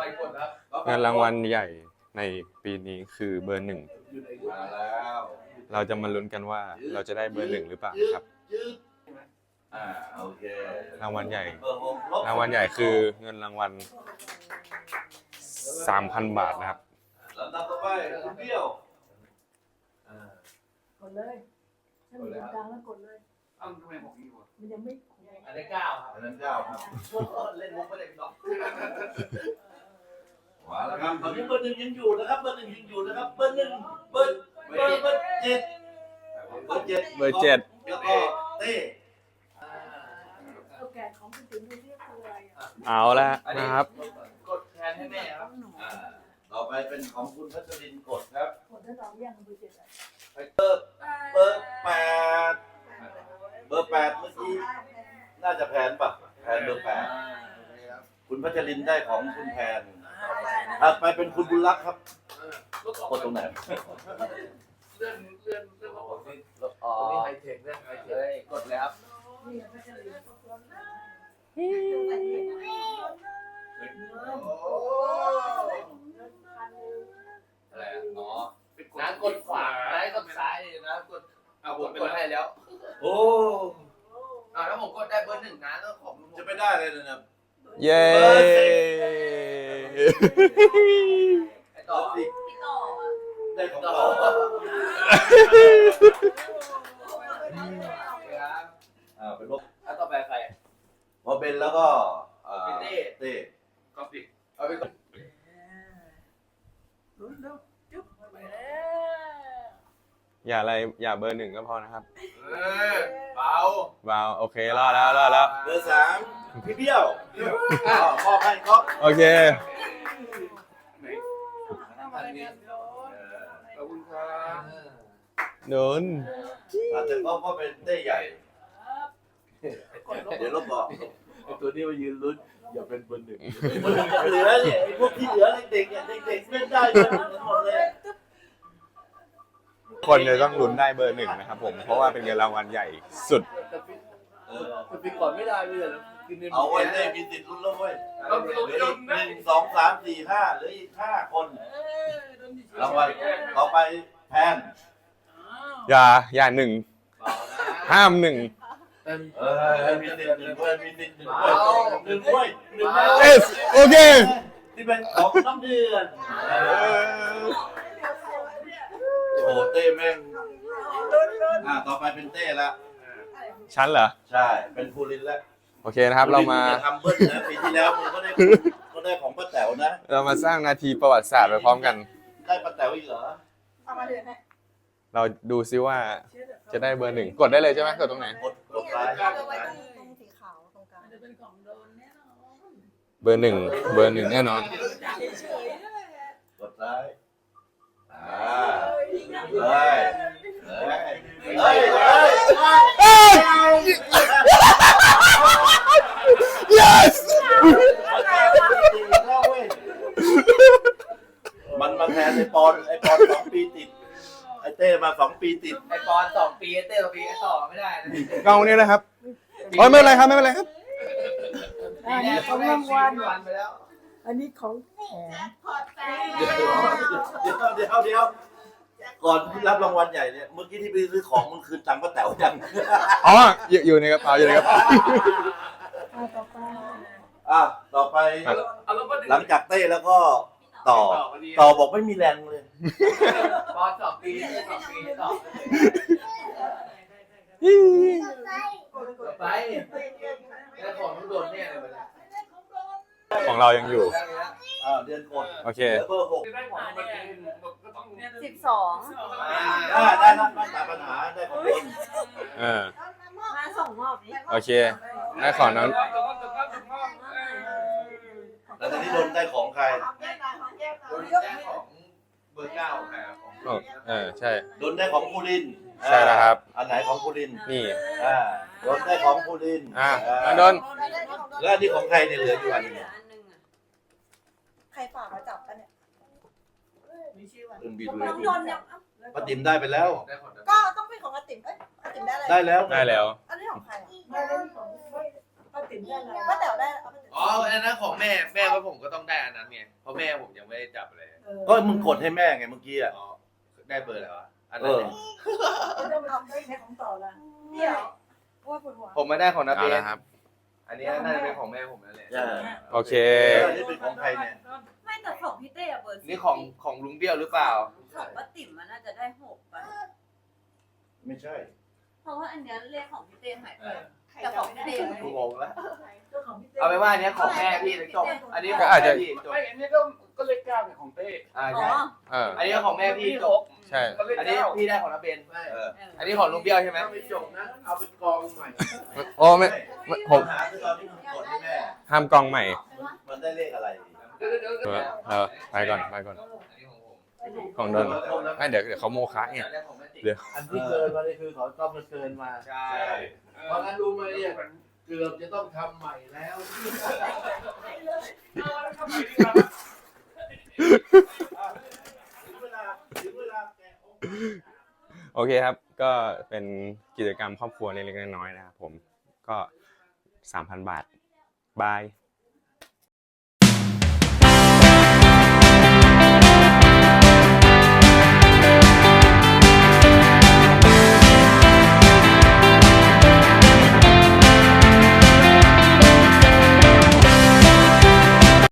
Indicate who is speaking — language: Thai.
Speaker 1: ไปกดครับ
Speaker 2: เงินรางวัลใหญ่ในปีนี้คือเบอร์หนึ่ง
Speaker 1: มาแล้ว
Speaker 2: เราจะมาลุ้นกันว่าเราจะได้เบอร์หนึ่งหรือเปล่าครับ
Speaker 1: โอเค
Speaker 2: รางวัลใหญ่
Speaker 1: เบอร์หกลบ
Speaker 2: รางวัลใหญ่คือเงินรางวัล 3,000 บาทนะครับ
Speaker 1: ลำดับต่อไปคุณเบี้ยว
Speaker 3: กดเลยถ้ามันอยู่กลางแล้วกดเลย
Speaker 1: อ้าวทำไมบอกงี้วะ
Speaker 3: มันยังไม่
Speaker 4: อันนี้9ครับ
Speaker 1: อันนั้นเก้าครับ
Speaker 4: เล่นมุกไม่ได้หรอก
Speaker 1: มาแล้วครับตอนนี้เบอร์หนึ่งยังอยู่นะครับเบอร์หนึ่งยังอยู่นะครับเบอร์หนึ่งเบอร์เจ็ดเบอร์เจ็ด
Speaker 2: เบอร์เจ็ด
Speaker 1: แล้วก็เต้
Speaker 3: เอาแกะของคุณติ๋มดูเรียกคืออะไรอ่ะ
Speaker 2: เอาละนะครับ
Speaker 4: กดแทนให้แม่ครับ
Speaker 1: ต่อไปเป็นของคุณพัชรินกดครับ
Speaker 3: กดถ้าเราเรียกเบอร์เจ็ดอ่ะ
Speaker 1: เบอร์แปดเบอร์แปดเมื่อกี้น่าจะแพนป่ะแพนเบอร์แปดคุณพัชรินได้ของคุณแพนถัดไปเป็นคุณบุญรักษ์ครับกดตรงไหน
Speaker 4: เลื่อนมาบอกสิอ๋อนี่ไฮเทคเรื่องไฮเทคกดแล้ว
Speaker 3: นี่ก็จะเรียก
Speaker 4: อะไรอ๋อน้ากดขวาซ้ายกับซ้ายนะกดเอาผมกดให้แล้ว
Speaker 1: โอ้
Speaker 4: แล้วผมกดได้เบอร์หนึ่งนะก็ขอบคุณ
Speaker 1: จะไม่ได้เลยนะ
Speaker 2: เย้
Speaker 4: ไอต่อ
Speaker 1: ได้ของเรา เป็นลบ
Speaker 4: แล้วต่อไปใคร
Speaker 1: พอเป็นแล้วก็เต้
Speaker 4: ก็ปิดเอาไปก่อน
Speaker 3: ลุ้นดูจุ๊บไปแล้ว
Speaker 2: อย่าอะไรอย่าเบอร์หนึ่งก็พอนะครับ
Speaker 4: เบา
Speaker 2: ว้าวโอเครอดแล้ว
Speaker 1: เบอร์สามพี่เบี้ยวพ่อให้ก็
Speaker 2: โอเค
Speaker 3: ทำอะไรกันโดน
Speaker 4: ขอบคุณครับ
Speaker 2: โดน
Speaker 1: อาจจะก็เป็นเต้ใหญ่ เดี๋ยวลบบอก
Speaker 5: ตัวนี้มายืนลุ้นอย่าเป็นเบอร์หนึ่ง
Speaker 1: เหลือเนี่ยไอ้พวกที่เหลือเด็กๆเนี่ยเด็กๆเล่นได้หมดเลย
Speaker 2: คนจะต้องลุ้นได้เบอร์หนึ่งนะครับผมเพราะว่าเป็นเงินรางวัลใหญ่สุด
Speaker 5: จะไปก่อนไม่ได้เลยกินใน
Speaker 1: เอาไว้เต้มีติดลุ้นแล้วเว้ยเหลืออีก1 2 3 4 5เหลืออีก5 คนรางวัลต่อไปแพน
Speaker 2: อย่าหนึ่งห้ามหนึ่ง
Speaker 1: มีติด1ด้วยมีติด1ด้วย1ด้วย1
Speaker 2: เอสโอเค
Speaker 1: ที่เป็นของน้ำเดือนโอ้เต้แม่งต่อไปเป็นเต้ละ
Speaker 2: ชั้นเหรอ
Speaker 1: ใช่เป็นภูรินแล้ว
Speaker 2: โอเคนะครับเรามา
Speaker 1: ทำเบิ้ลนะปีที่แล้วมึงก็ได้ของป้าแต๋วนะ
Speaker 2: เรามาสร้างนาทีประวัติศาสตร์ไปพร้อมกัน
Speaker 1: ได้ป้าแต๋วอีกเหรอ
Speaker 3: เอามาเดือนให้
Speaker 2: เราดูซิว่าจะได้เบอร์หนึ่งกดได้เลยใช่ไหมกดตรงไหน
Speaker 1: กดซ้าย
Speaker 6: เอาไว้ตรงสีขาวตรงกลาง
Speaker 3: จะเป็นของโดนแน่นอน
Speaker 2: เบอร์หนึ่งแน่นอน
Speaker 3: เฉยๆนั่นแหละ
Speaker 1: กดซ้ายเฮ้ยเฮ้ยเฮ้ย
Speaker 2: yes
Speaker 1: มันมาแทนไอปอน2 ปีติดไอเต้มา2 ปีติด
Speaker 4: ไอปอน2 ปีเต้2 ปีไอต่อไม่ได้นะ
Speaker 2: กล้องนี้นะครับโอ้ยไม่เป็นไรครับไม่เป็นไรครับ
Speaker 3: อันนี้ของรางวัล
Speaker 4: วันไปแล้ว
Speaker 3: อันนี้ของแถม
Speaker 1: เดี๋ยวก่อนที่รับรางวัลใหญ่เนี่ยเมื่อกี้ที่ไปซื้อของมึงคืนตังค์ป้าแต๋วยัง
Speaker 2: อ๋ออยู่ในกระเป๋าอยู่ในกระเป๋า
Speaker 3: ต่อไป
Speaker 1: ต่อไป
Speaker 4: เอาแล้วก็
Speaker 1: หลังจากเต้แล้วก็ต่อบอกไม่มีแรงเลย
Speaker 4: ปอน2 ปีเต้2 ปีต่อไปแล้วของต้องโดนแน่เลยวันนี้
Speaker 2: ของเรายังอยู่
Speaker 1: เดือนกด
Speaker 2: โอเค
Speaker 1: เบอร์ 6
Speaker 4: ได้ของเมื่อกี้ก็ต้อง
Speaker 6: 12
Speaker 1: ได้นั่นไม่ตัดปัญหาได้ของคน
Speaker 6: มาส่งมอบนี้
Speaker 2: โอเคได้ของน้อง
Speaker 1: แล้วตอนนี้โดนได้ของใคร
Speaker 4: ของเบอร์9ครับ
Speaker 2: ใช่
Speaker 1: โดนได้ของภูริน
Speaker 2: ใช่แล้วครับ
Speaker 1: อันไหนของภูริน
Speaker 2: นี่
Speaker 1: โดนได้ของภูริน
Speaker 2: โดน
Speaker 1: แล้วนี่ของใครเนี่ยเหลืออยู่อันนึง
Speaker 6: ใครฝากมาจับกันเนี่ย
Speaker 3: มีชื่อว่า
Speaker 1: เรื่องบีดู
Speaker 6: น้องโดนยัง
Speaker 1: ป้าติ๋มได้ไปแล้ว
Speaker 6: ก็ต้องเป็นของอาติ๋มอาติ๋มได้อะไร
Speaker 1: ได้แล้ว
Speaker 2: ได้แล้ว
Speaker 6: อันนี้ของใคร
Speaker 3: ไม่ได้ของป้าติ๋มได้แล้ว
Speaker 6: ป้าแต๋วได้เอาป้าแต๋ว
Speaker 4: อ๋ออันนั้นของแม่ว่าผมก็ต้องได้อันนั้นไงเพราะแม่ผมยังไม่ได้จับเลย
Speaker 1: ก็มึงกดให้แม่ไงเมื่อกี้อ่ะ
Speaker 4: อ๋อได้เบอร์อะไรวะอัน
Speaker 1: เอ
Speaker 4: นั้น
Speaker 1: อ
Speaker 4: เนี่ย
Speaker 3: ไม่ต้องทำได้แค่ของต่อละ
Speaker 6: เดี๋ยวว่าปวดหัว
Speaker 4: ผมมาได้ของนา
Speaker 2: เอา
Speaker 4: เบ
Speaker 2: ละ
Speaker 4: น
Speaker 2: ครับ
Speaker 4: อันนี้น่าจะเป็นของแม่ผมนั่นแหละ
Speaker 2: โอเค
Speaker 1: อันนี้เป็นของใครเนี่ย
Speaker 7: ไม่แต่ของพี่เต้อะเบอร์
Speaker 4: นี่ของลุงเบี้ยวหรือเปล่า
Speaker 7: ของป้าติ๋มมันน่าจะได้6ป่ะ
Speaker 1: ไม่ใช่
Speaker 7: เพราะว่าอันเนี้ยเลขของพี่เต้หายไปแต่ของพี่เต้
Speaker 4: กูงงแล้ว
Speaker 3: เจ้าของพี่เต้
Speaker 4: เอาไปนว่าอันเนี้ยของแม่พี่จบอันนี้ข
Speaker 2: ก็
Speaker 4: อง
Speaker 2: อาจจะ
Speaker 4: แม่พี่จบ
Speaker 5: ไม่อันนี้ก็เลข9เนี่ยของเต้
Speaker 7: อ๋
Speaker 4: ใช่
Speaker 7: อ
Speaker 2: เออ
Speaker 4: อันนี้ก็ของแม่พี่จบ
Speaker 2: ใช่
Speaker 5: ก็เลข
Speaker 4: อันนี้
Speaker 5: 9
Speaker 4: พี่ได้ของนาเบน
Speaker 1: เออ
Speaker 4: อันนี้ของลุงเบี้ยวใช่ไหม
Speaker 5: ถ้าไม่จบนะเอาเป็นกองใหม่
Speaker 2: โอ้ไม่ผม
Speaker 1: ปัญหาคือตอนที่มึงกดให้แม่
Speaker 2: ห้ามกองใหม่
Speaker 1: มันได้เลขอะไร
Speaker 2: ไปก่อนไปก่อน
Speaker 4: อันนี้ของผม
Speaker 2: ของโดนไม่เดี๋ยวเขาโมคะเนี่ย
Speaker 4: อันนี้ของแม่ติ๋ม
Speaker 2: เดี๋ยว
Speaker 5: อันที่เกินมาเลยคือเขาต้องมาเกินมา
Speaker 4: ใช่
Speaker 5: เพราะงั้นรู้ไหมเนี่ยเกือบจะต้องทำใหม่แล้ว
Speaker 1: ถึงเวลาแกะออก
Speaker 2: โอเคครับ ก็เป็นกิจกรรมครอบครัวเล็กๆน้อยๆนะครับผมก็ 3,000 บาทบาย